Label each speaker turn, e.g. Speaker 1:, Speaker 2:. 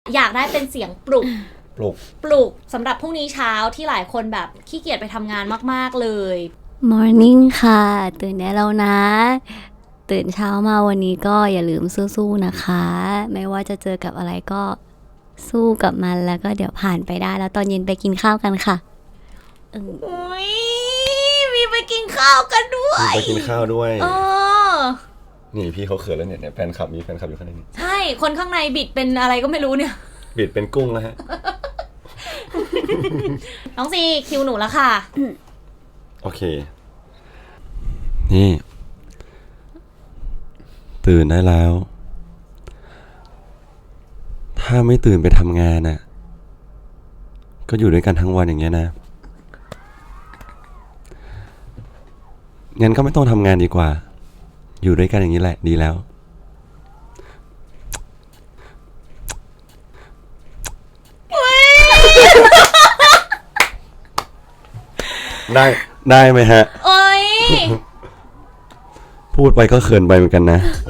Speaker 1: อยากได้เป็นเสียงปลุก
Speaker 2: ปลุก
Speaker 1: สำหรับพรุ่งนี้เช้าที่หลายคนแบบขี้เกียจไปทำงานมากๆเลย
Speaker 3: Morning ค่ะตื่นได้แล้วนะ ตื่นเช้ามาวันนี้ก็อย่าลืมสู้ๆนะคะไม่ว่าจะเจอกับอะไรก็สู้กับมันแล้วก็เดี๋ยวผ่านไปได้แล้วตอนเย็นไปกินข้าวกันค่ะ
Speaker 1: อุ้ยมีไปกินข้าวกันด้วย
Speaker 2: ไปกินข้าวด้วย
Speaker 1: อ
Speaker 2: นี่พี่เขาเขินแล้วเนี่ยแฟนคลับมีแฟนคลับอยู่ข้างในนี้
Speaker 1: ใช่คนข้างในบิดเป็นอะไรก็ไม่รู้เนี่ย
Speaker 2: บิดเป็นกุ้งแล้วฮะ
Speaker 1: น้องซีคิวหนูแล้วค่ะ
Speaker 2: โอเคนี่ตื่นได้แล้ว ถ้าไม่ตื่นไปทำงานน่ะก็อยู่ด้วยกันทั้งวันอย่างเงี้ยนะงั้นก็ไม่ต้องทำงานดีกว่าอยู่ด้วยกันอย่างนี้แหละดีแล้วได้ไหมฮะ
Speaker 1: โอ๊ย
Speaker 2: พูดไปก็เขินไปเหมือนกันนะ